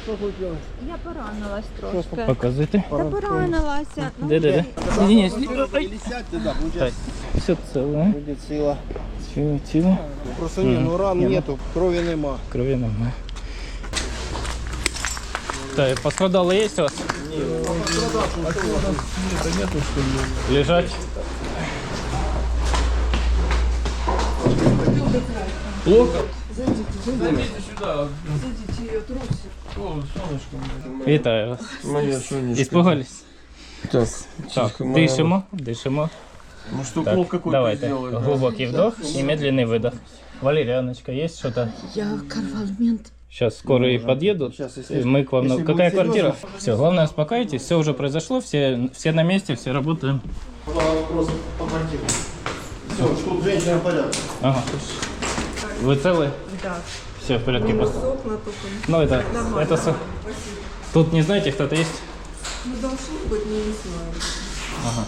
Я поранилась трошки. Показуйте. Та поранилася. Де? Ні, Так, все ціле. буде ціла. Ціле. Просто ні, ну ран нету, крові нема. Крові немає. Так, пострадали є у вас? Ні, нету, що ли. Лежать. Плохо? Зайдите сюда. Зайдите, я трусик. О, солнышко. Вітаю вас. Моя сонечко. Испугались? Сейчас. Так, дышимо. Ну что, Так, укол какой-то давайте. сделали? да? Глубокий вдох и медленный выдох. Валерьяночка, есть что-то? Я карвалмент. Сейчас скорые подъедут. Сейчас, если- Мы к вам. если Какая будет квартира? серьезно. Все, главное успокойтесь. Все уже произошло, все на месте, все работаем. Вопрос по квартире. Все, что женщина в порядке. Ага. Вы целы? Да. Все в порядке. Окна только. Ну это тут не знаете, кто-то есть? Ну, должны быть, не знаю. Ага.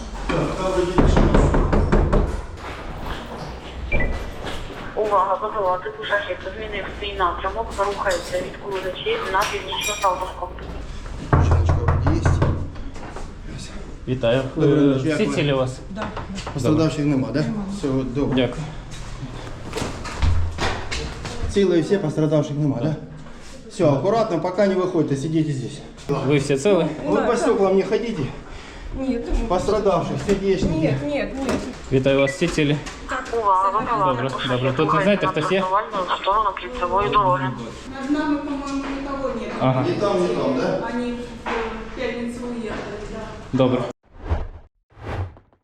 Увага, БПЛА, типу шахет змінив свій напрямок, рухається від Куличі на північно-Салтовську. Есть. Вітаю. Добрий вечір. Всі цілі у вас? Пострадавших нема, да? Все, добре. Дякую. Цілые все, пострадавших нема, да? Все, аккуратно, пока не выходите, сидите здесь. Ви всі цілі? Вы по стеклам не ходите. Нет, Пострадавших, сердечники. нет. Вітаю вас, всі цілі? Увага, БПЛА, Добре, типу добре. шахет Тут не знаєте, рухається хтось є? на прямувальну сторону кільцевої дороги. Над нами, по-моему, никого нет. Ага, Ни там, да? Они в пятницу уехали, да. добре.